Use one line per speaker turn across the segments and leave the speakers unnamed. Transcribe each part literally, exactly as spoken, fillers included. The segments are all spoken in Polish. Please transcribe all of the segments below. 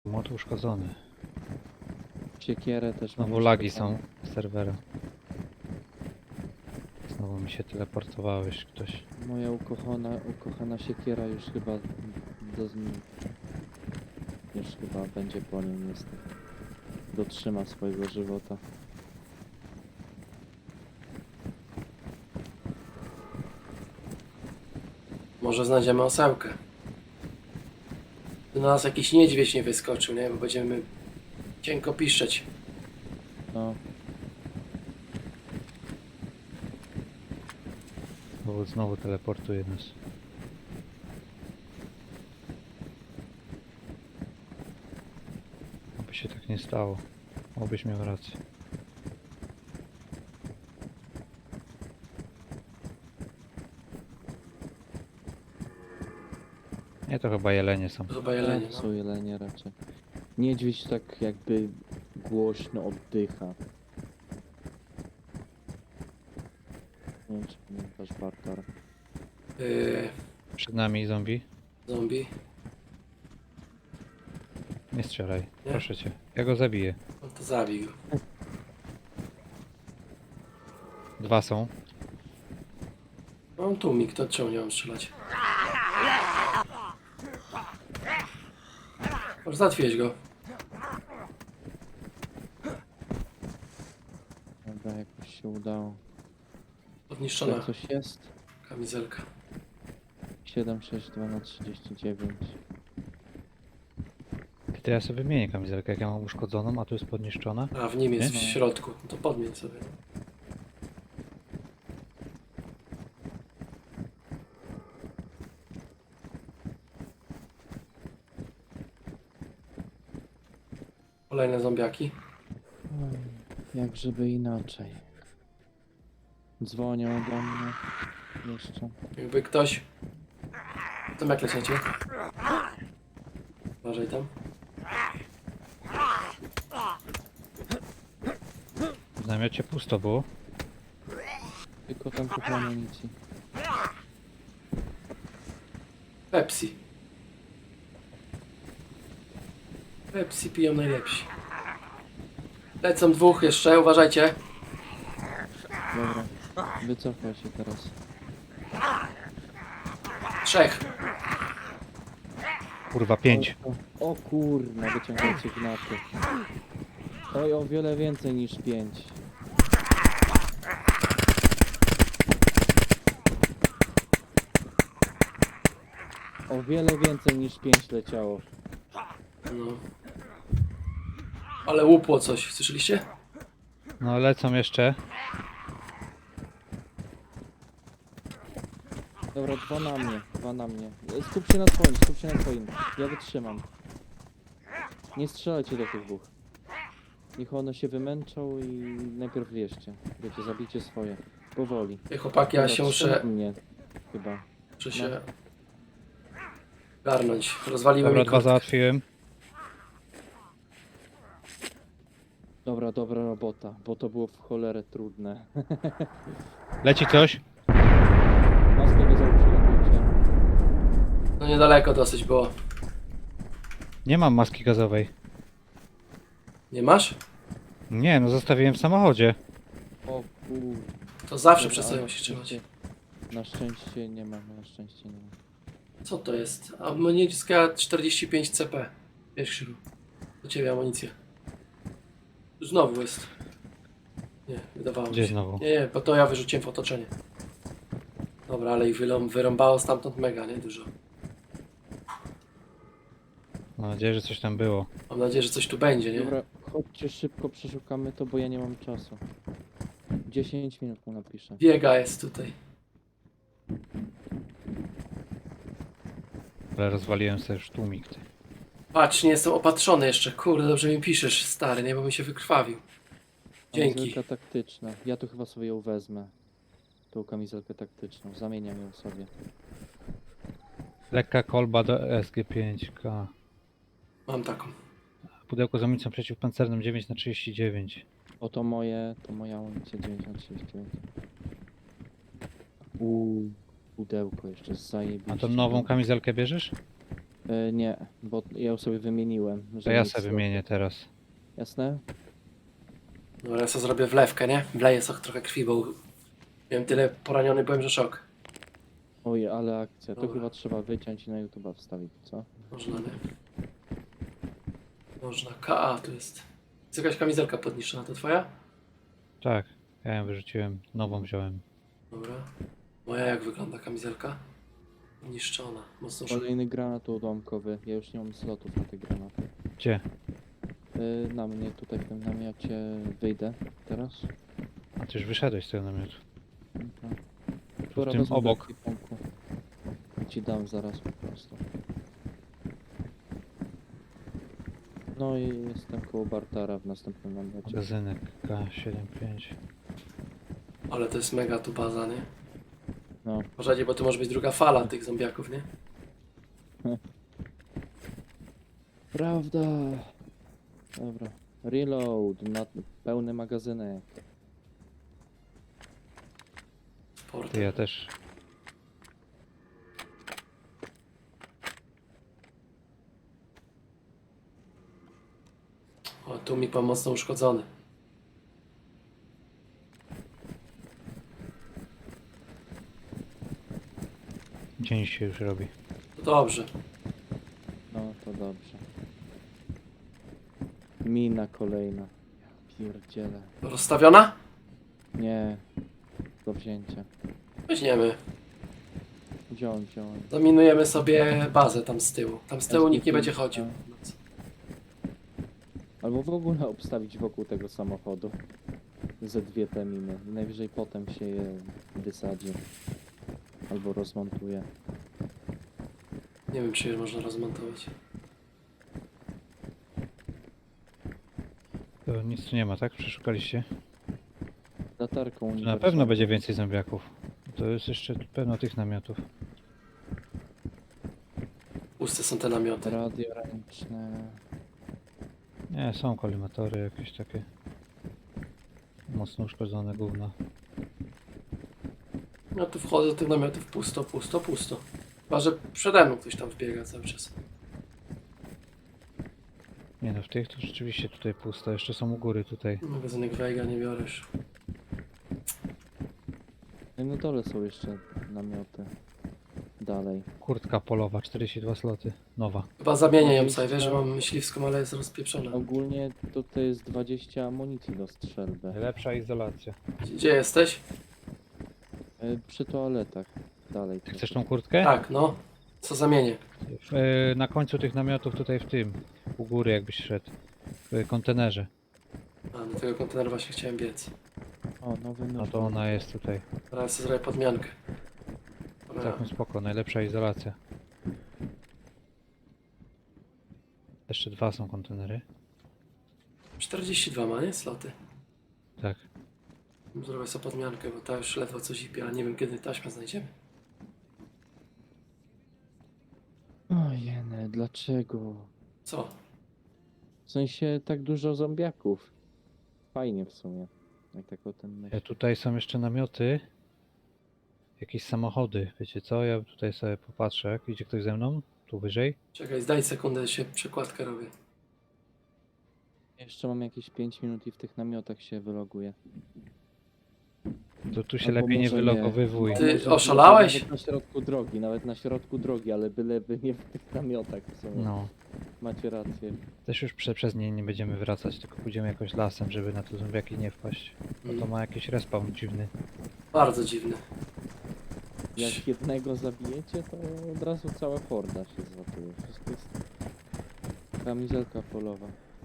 Młot uszkodzony.
Siekierę też mam.
Znowu lagi
uszkodzoną.
są z serwera. Znowu mi się teleportowałeś ktoś.
Moja ukochana, ukochana siekiera już chyba do, już chyba będzie po nim niestety. Dotrzyma swojego żywota.
Może znajdziemy osełkę. Do nas jakiś niedźwiedź nie wyskoczył, nie? Bo będziemy cienko piszczeć.
No,
Znowu, znowu teleportuje nas. Aby się tak nie stało. Obyś miał rację. Nie, to chyba jelenie są.
To chyba jelenie,
tak,
no.
są jelenie raczej. Niedźwiedź tak jakby głośno oddycha. Nie wiem, czy pamiętasz, Bartar.
Yy,
Przed nami zombie.
zombie.
Nie strzelaj,
Nie?
proszę cię. Ja go zabiję.
No to zabij go.
Dwa są.
Mam tłumik, to czemu nie mam strzelać? Może zatwierdzić go.
Dobra, jakoś się udało.
Podniszczona
Jak coś jest?
kamizelka.
siedem sześć dwa na trzydzieści dziewięć.
To ja sobie wymienię kamizelkę, jak ja mam uszkodzoną, a tu jest podniszczona.
A w nim jest w
Nie?
środku. No to podmień sobie. Kolejne zombiaki.
Oj, jak żeby inaczej. Dzwonią do mnie. Jeszcze.
Jakby ktoś... Tam jak lecicie? Uważaj tam.
W namiocie pusto było.
Tylko tam trochę amunicji.
Pepsi. Pepsi piją najlepsi. Lecą dwóch jeszcze, uważajcie.
Dobra. Wycofaj się teraz.
Trzech.
Kurwa, pięć.
O, o kurna, wyciągajcie gnaty. Oj, o wiele więcej niż pięć. O wiele więcej niż pięć leciało.
No. Ale łupło coś, słyszeliście?
No lecą jeszcze.
Dobra, dwa na mnie, dwa na mnie. Skup się na swoim, skup się na swoim. Ja wytrzymam. Nie strzelajcie do tych dwóch. Niech one się wymęczą i najpierw wierzcie. Wiecie, zabijcie swoje. Powoli.
Ej, chłopaki, ja
Dobra,
się
trzy na
muszę,
mnie. Chyba.
muszę się garnąć. Rozwaliłem
Dobra,
mi
dwa
kurtkę.
załatwiłem.
Dobra, dobra robota, bo to było w cholerę trudne.
Leci coś.
Maskę go założyłem.
No niedaleko dosyć było.
Nie mam maski gazowej.
Nie masz?
Nie, no zostawiłem w samochodzie.
O kur...
To zawsze
Dobra,
przez sobie
ale
musisz trzymać.
Na szczęście nie mam, na szczęście nie mam.
Co to jest? Amunicja czterdzieści pięć C P. Wiesz, Krzylu. Do ciebie amunicja. Znowu jest. Nie, wydawało mi
Gdzie
się.
znowu?
Nie, nie, bo to ja wyrzuciłem w otoczenie. Dobra, ale ich wylą, wyrąbało stamtąd mega, nie? Dużo.
Mam nadzieję, że coś tam było.
Mam nadzieję, że coś tu będzie, nie?
Dobra, chodźcie szybko, przeszukamy to, bo ja nie mam czasu. dziesięć minut mu napiszę.
Biega jest tutaj.
Ale rozwaliłem sobie już tłumik. Ty.
Patrz, nie jestem opatrzony jeszcze. Kurde, dobrze mi piszesz, stary, nie? Bo mi się wykrwawił. Dzięki.
Kamizelka taktyczna. Ja tu chyba sobie ją wezmę. Tą kamizelkę taktyczną. Zamieniam ją sobie.
Lekka kolba do S G pięć K.
Mam taką.
Pudełko z amunicją przeciwpancerną dziewięć na trzydzieści dziewięć.
Oto moje, to moja amunicja dziewięć na trzydzieści dziewięć. Uuu, pudełko jeszcze zajebiście.
A tą nową kamizelkę bierzesz?
E, nie, bo ja ją sobie wymieniłem.
To
że
ja
nic
sobie
slotu.
wymienię teraz.
Jasne?
Dobra, ja sobie zrobię wlewkę, nie? Wleję sobie trochę krwi, bo miałem tyle poraniony, byłem, że szok.
Oj, ale akcja. To
Dobra.
chyba trzeba wyciąć i na YouTube'a wstawić, co?
Można, nie? Można. K A tu jest. Jest jakaś kamizelka podniszczona, to twoja?
Tak, ja ją wyrzuciłem, nową wziąłem.
Dobra. Moja jak wygląda kamizelka? Niszczona. Mocno szok.
Kolejny granat ułamkowy. Ja już nie mam slotów na te granaty.
Gdzie?
E, na mnie tutaj w tym namiocie wyjdę teraz.
A ty już wyszedłeś z tego namiotu.
Mhm.
Tu
Dobra,
w tym
wezmę
obok.
do ekwipunku. Ci dam zaraz po prostu. No i jestem koło Bartara w następnym namiocie.
Magazynek K siedemdziesiąt pięć.
Ale to jest mega tu baza, nie?
No,
Uważajcie, bo tu może być druga fala tych zombiaków, nie?
prawda. Dobra. Reload na pełny magazynek.
Sport.
Ty, ja też.
O, tu mi pan mocno uszkodzony.
Dzień się już robi.
To dobrze.
No to dobrze. Mina kolejna. Ja pierdzielę.
Rozstawiona?
Nie. Do wzięcia.
Weźmiemy.
Wziąłem, wziąłem.
Zaminujemy sobie bazę tam z tyłu. Tam z tyłu nikt nie będzie chodził.
Albo w ogóle obstawić wokół tego samochodu. Ze dwie te miny. I najwyżej potem się je wysadzi. Albo rozmontuje.
Nie wiem, czy je można rozmontować.
To nic tu nie ma, tak? Przeszukaliście?
Latarką
Tu na
uniwersalną.
pewno będzie więcej zombiaków. To jest jeszcze pełno tych namiotów.
Puste są te namioty.
Radio ręczne.
Nie, są kolimatory jakieś takie. Mocno uszkodzone gówna.
No tu wchodzę do tych namiotów pusto, pusto, pusto. Chyba, że przede mną ktoś tam wbiega cały czas.
Nie no, w tych to rzeczywiście tutaj pusto. Jeszcze są u góry tutaj.
Magazynek Vega nie biorę już.
No i na dole są jeszcze namioty. Dalej.
Kurtka polowa, czterdzieści dwa sloty. Nowa.
Chyba zamienię ją sobie, wiesz, że mam myśliwską, ale jest rozpieprzona.
Ogólnie tutaj jest dwadzieścia amunicji do strzelby.
Lepsza izolacja.
Gdzie, gdzie jesteś?
E, Przy toaletach. Dalej.
Ty chcesz tą kurtkę?
Tak, no. Co zamienię?
W, e, na końcu tych namiotów tutaj w tym. U góry jakbyś szedł. W kontenerze.
A, do tego kontenera właśnie chciałem biec.
O, nowy nóż.
No to ona jest tutaj.
Teraz sobie zrobię podmiankę. Dobra.
Całkiem spoko, najlepsza izolacja. Jeszcze dwa są kontenery.
czterdzieści dwa ma, nie? Sloty.
Tak.
Zrobię sobie podmiankę, bo ta już ledwo coś zipie, ale nie wiem kiedy taśmę znajdziemy.
Ojej, dlaczego?
Co?
W sensie tak dużo zombiaków. Fajnie w sumie. Jak tak o tym
E,
myślę.
tutaj są jeszcze namioty. Jakieś samochody. Wiecie co? Ja tutaj sobie popatrzę. Idzie ktoś ze mną? Tu wyżej?
Czekaj, zdaj sekundę, się przekładkę robię.
Jeszcze mam jakieś pięć minut i w tych namiotach się wyloguję.
To tu się
Albo
lepiej nie
może nie.
wylogowywuj.
Ty
Może-
oszalałeś?
Nawet na środku drogi, nawet na środku drogi, ale byleby nie w tych namiotach w sumie.
No.
Macie rację.
Też już prze, przez nie nie będziemy wracać, tylko pójdziemy jakoś lasem, żeby na te zombiaki nie wpaść. Bo to
Mm,
ma jakiś respawn dziwny.
bardzo dziwny.
Jak jednego zabijecie, to od razu cała horda się złapuje. Wszystko jest... Kamizelka polowa.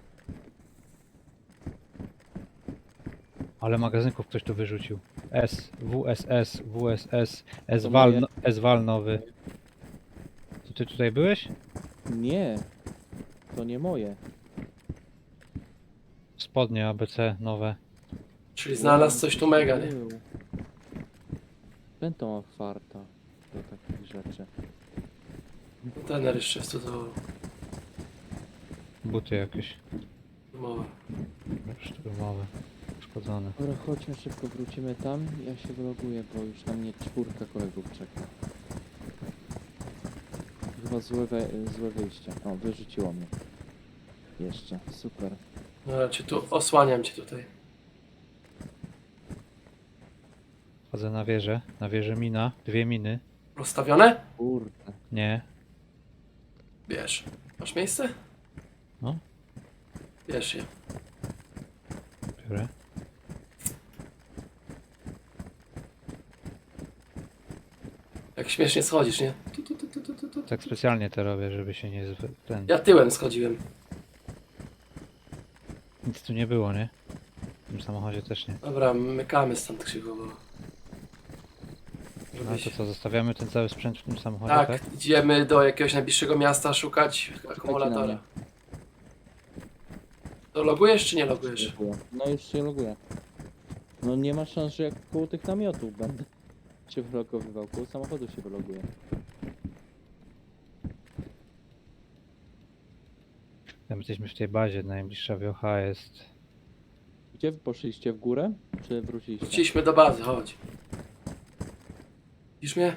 Ale magazynków ktoś tu wyrzucił. S, W S S, W S S,
To
S-Wal,
moje.
no, S-Wal nowy. To ty tutaj byłeś?
Nie! To nie moje.
Spodnie A B C nowe.
Czyli znalazł coś tu mega, nie?
Był. Ten to ma farta do takich rzeczy.
Kontener jeszcze jest tu do
Buty jakieś.
umowy.
Szturmowe. Uszkodzone.
Dobra, chodźmy szybko, wrócimy tam. Ja się wyloguję, bo już na mnie czwórka kolegów czeka. chyba złe, we, złe wyjście. O, wyrzuciło mnie. Jeszcze, super.
No, cię tu osłaniam cię tutaj.
Wchodzę na wieżę. Na wieżę mina. Dwie miny.
Rozstawione?
Kurde.
Nie.
Bierz. Masz miejsce?
No.
Bierz je.
Biorę.
Jak śmiesznie schodzisz, nie? Tu, tu, tu, tu, tu, tu, tu.
Tak specjalnie to robię, żeby się nie... Zwy... Ten...
Ja tyłem schodziłem.
Nic tu nie było, nie? W tym samochodzie też nie.
Dobra, mykamy stąd krzywo, bo...
A
Żebyś...
to co, zostawiamy ten cały sprzęt w tym samochodzie,
Tak,
tak?
idziemy do jakiegoś najbliższego miasta szukać akumulatora. To logujesz czy nie logujesz?
Dziękuję. No już się loguję. No nie ma szans, że jak koło tych namiotów będę się wylogowywał. Koło samochodu się wyloguje.
Tam jesteśmy w tej bazie, najbliższa wiocha jest...
Gdzie wy poszliście? W górę? Czy wróciliście?
Wróciliśmy do bazy, chodź. Widzisz mnie?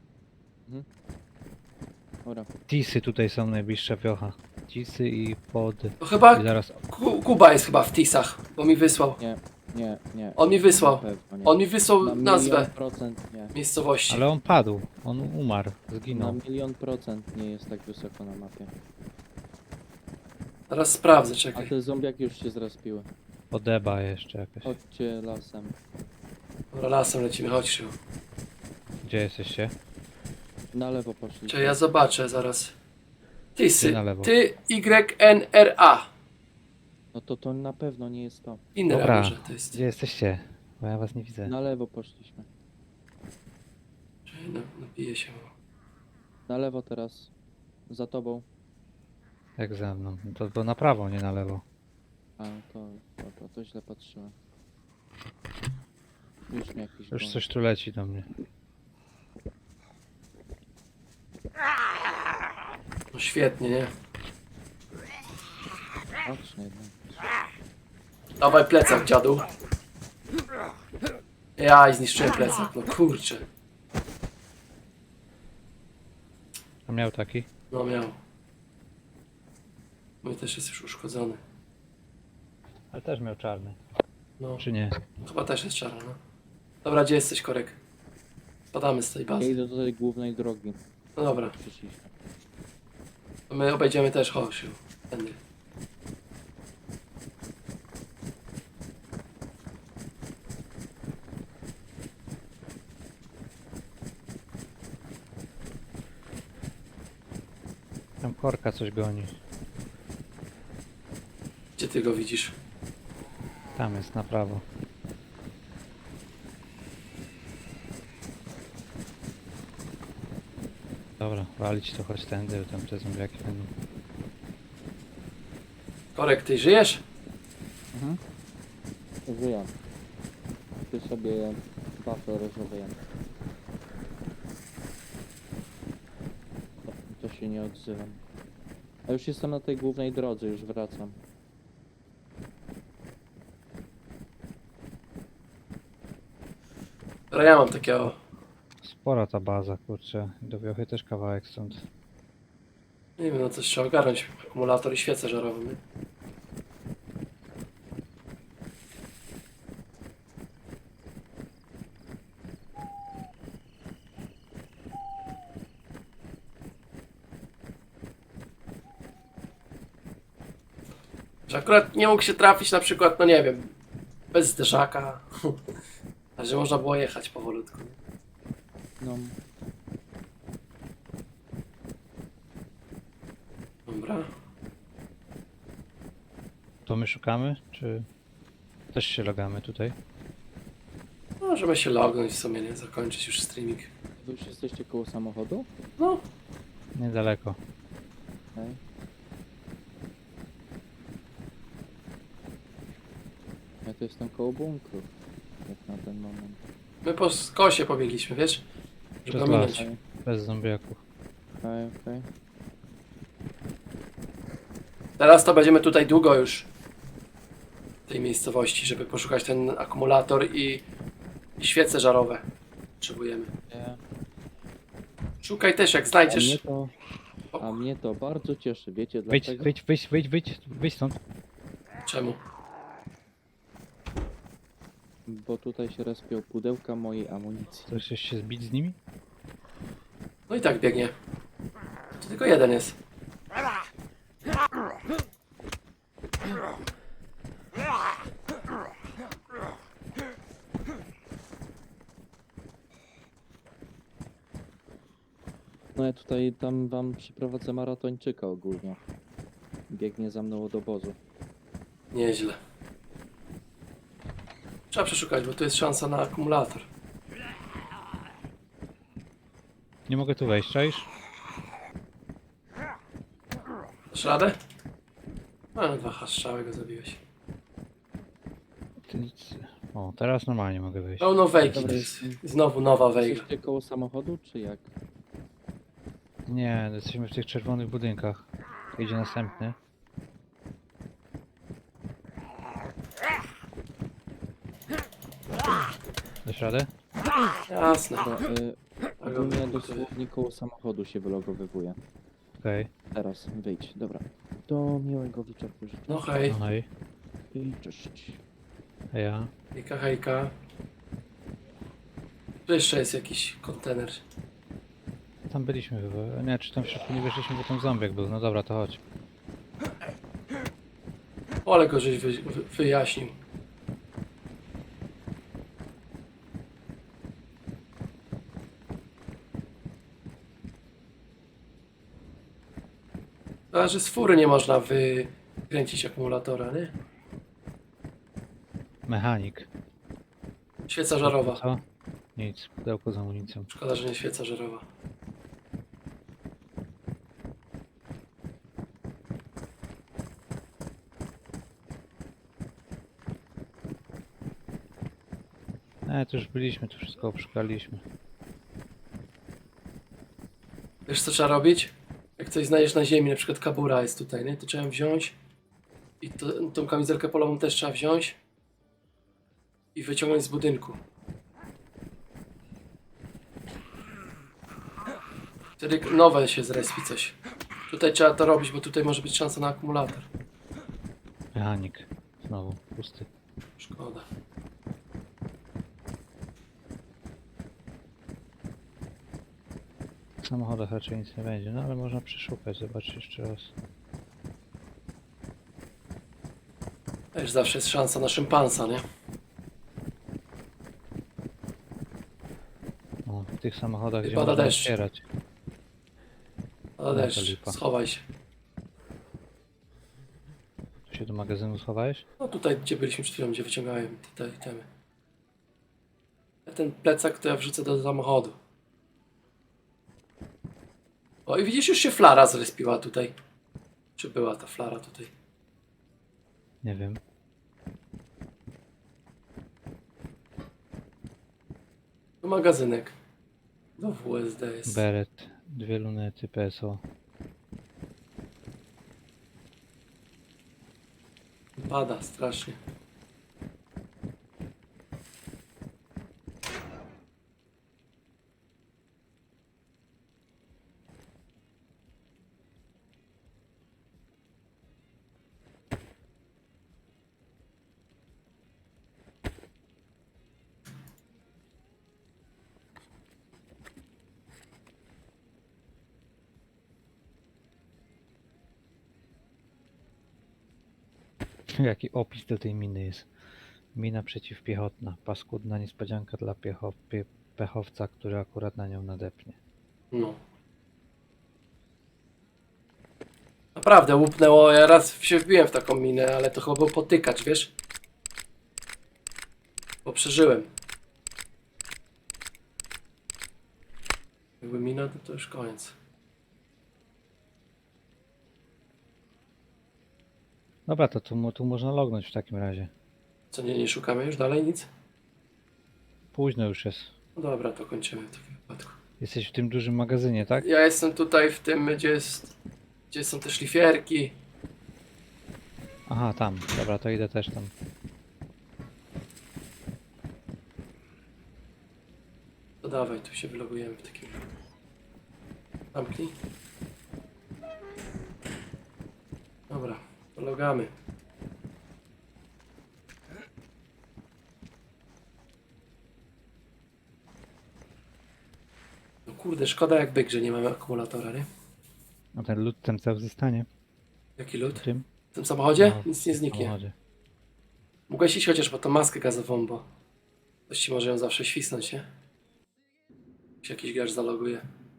Dobra.
Tisy tutaj są najbliższa wiocha. Tisy i pod...
To chyba
I zaraz...
Ku- Kuba jest chyba w Tisach, bo mi wysłał.
Nie, nie, nie.
On mi wysłał.
Na pewno nie.
On mi wysłał
Na milion
nazwę
procent nie.
miejscowości.
Ale on padł. On umarł.
Na
Zginął.
milion procent nie jest tak wysoko na mapie.
Teraz sprawdzę,
A
czekaj.
te zombiaki już się zrespiły.
Podeba jeszcze jakaś.
Chodźcie lasem.
Dobra, lasem lecimy, chodź Krzył.
Gdzie jesteście?
Na lewo poszliście.
Czy ja zobaczę zaraz. Tisy.
Ty na lewo.
Ty Y N R A.
No to to na pewno nie jest to.
Inne
Dobra.
może to jest.
Gdzie jesteście? Bo ja was nie widzę.
Na lewo poszliśmy.
No, napiję się.
Na lewo teraz. Za tobą.
Jak ze mną. No to, to na prawo, nie na lewo.
A, to, to, to, to źle patrzyłem. Już mnie jakiś
Już
goni.
coś tu leci do mnie.
No świetnie, nie?
Patrz, nie wiem.
Dawaj plecak, dziadu. Ja i zniszczyłem plecak, no kurczę.
A miał taki?
No miał. Mój też jest już uszkodzony.
Ale też miał czarny.
No,
Czy nie?
chyba też jest czarny, no. Dobra, gdzie jesteś, Korek? Spadamy z tej
Ja
bazy.
idę do tej głównej drogi.
No dobra,
Przyszliśmy.
to my obejdziemy też Hołsiu. Tędy.
Tam korka coś goni.
Gdzie ty go widzisz?
Tam jest na prawo. Dobra, walić to choć tędy, bo tam te zombiaki będą.
Korek, ty żyjesz?
Mhm. Żyję. Ty sobie wafle rozmawiam. To się nie odzywam. A już jestem na tej głównej drodze, już wracam.
Dobra, ja mam takiego.
Spora ta baza, kurczę. Do wiochy też kawałek stąd.
Nie wiem, no coś trzeba ogarnąć. Akumulator i świecę żarową. Nie? Że akurat nie mógł się trafić na przykład, no nie wiem, bez zderzaka. A że można było jechać powolutku. Nie?
No,
Dobra.
To my szukamy, czy też się logamy tutaj?
Możemy się lognąć w sumie, nie? Zakończyć już streaming.
wy już jesteście koło samochodu?
No,
Niedaleko.
Okej. Ja tu jestem koło bunkru. Jak na ten moment.
my po skosie pobiegliśmy, wiesz? Żeby
Przez
go
las.
minąć.
Okej,
Bez zombiaków.
okej, okej.
Teraz to będziemy tutaj długo już w tej miejscowości, żeby poszukać ten akumulator i, i świece żarowe. Potrzebujemy.
Nie.
Szukaj też, jak
A mnie
znajdziesz.
to... A mnie to bardzo cieszy, wiecie
Wyjdź,
dlaczego?
wyjdź, wyjdź, wyjdź, wyjdź, wyjdź stąd.
Czemu?
Bo tutaj się respią pudełka mojej amunicji.
Chcesz się zbić z nimi?
No i tak biegnie. To tylko jeden jest.
No ja tutaj tam wam przyprowadzę maratończyka ogólnie. Biegnie za mną od obozu.
Nieźle. Trzeba przeszukać, bo tu jest szansa na akumulator.
Nie mogę tu wejść, czaisz?
Dasz radę? A, no dwa hastrzały go zabiłeś.
Ty nic... O, teraz normalnie mogę wejść.
Pełno wejki
Dobra,
to jest.
jestem.
Znowu nowa wejga.
Jesteście koło samochodu, czy jak?
Nie, jesteśmy w tych czerwonych budynkach. Tu idzie następny. Dasz radę?
Jasne.
Dobra, y,
Ale
ogólnie
on-
dosłownie koło samochodu się wylogowywuje.
Okej.
Teraz, wyjdź, dobra. Do miłego wieczoru życzę.
No hej,
No i
I cześć.
a ja.
hejka, hejka. Tu jeszcze jest jakiś kontener.
Tam byliśmy chyba. Nie, czy tam w środku nie weszliśmy, bo tam zombiek był. No dobra, to chodź.
O, ale go żeś wy, wy, wyjaśnił. A, że z fury nie można wykręcić akumulatora, nie?
Mechanik.
Świeca żarowa.
Co? Nic, pudełko z amunicją.
Szkoda, że nie świeca żarowa.
E, tu już byliśmy, tu wszystko obszukaliśmy.
Wiesz co trzeba robić? Jak coś znajdziesz na ziemi, na przykład kabura jest tutaj, nie? To trzeba ją wziąć. I to, tą kamizelkę polową też trzeba wziąć. I wyciągnąć z budynku. Wtedy nowe się zrespi coś. Tutaj trzeba to robić, bo tutaj może być szansa na akumulator.
Mechanik. Znowu, pusty.
Szkoda.
W samochodach raczej nic nie będzie, no ale można przeszukać, zobaczyć jeszcze raz.
Też zawsze jest szansa na szympansa, nie?
O, w tych samochodach,
I
gdzie
pada
można
deszcz.
otwierać.
Ale
to
deszcz,
lipa.
schowaj się.
Tu się do magazynu schowałeś?
No tutaj, gdzie byliśmy przed chwilą, gdzie wyciągałem te itemy. A ten plecak to ja wrzucę do samochodu. O i widzisz, już się flara zrespiła tutaj. Czy była ta flara tutaj?
Nie wiem.
To magazynek. Do W S D jest.
Beret, dwie lunety, P S O.
Pada strasznie.
Jaki opis do tej miny jest. Mina przeciwpiechotna. Paskudna niespodzianka dla piecho pie pechowca, który akurat na nią nadepnie.
No. Naprawdę łupnęło. Ja raz się wbiłem w taką minę, ale to chyba był potykacz, wiesz? Bo przeżyłem. Jakby mina, to, to już koniec.
Dobra, to tu, mo- tu można lognąć w takim razie.
Co, nie, nie szukamy już dalej nic?
Późno już jest.
No dobra, to kończymy w takim wypadku.
Jesteś w tym dużym magazynie, tak?
Ja jestem tutaj w tym, gdzie jest... Gdzie są te szlifierki.
Aha, tam. Dobra, to idę też tam.
To dawaj, tu się wylogujemy w takim... Zamknij. Pomagamy. No kurde, szkoda jak byk, że nie mamy akumulatora, nie?
A ten lód ten cały zostanie
Jaki
w
lód?
tym
W tym samochodzie?
No,
Nic nie zniknie.
samochodzie.
Mogłeś iść chociaż po tą maskę gazową, bo ktoś ci może ją zawsze świsnąć, nie? Jak się jakiś gracz zaloguje.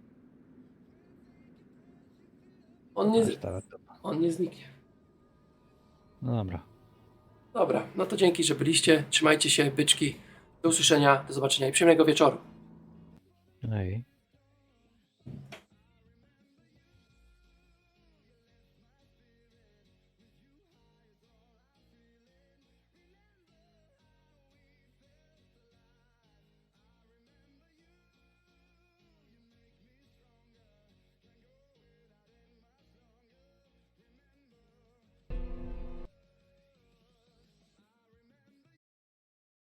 On nie,
Aż ta-
on nie zniknie.
No dobra.
Dobra, no to dzięki, że byliście. Trzymajcie się, byczki. Do usłyszenia, do zobaczenia i przyjemnego wieczoru.
No i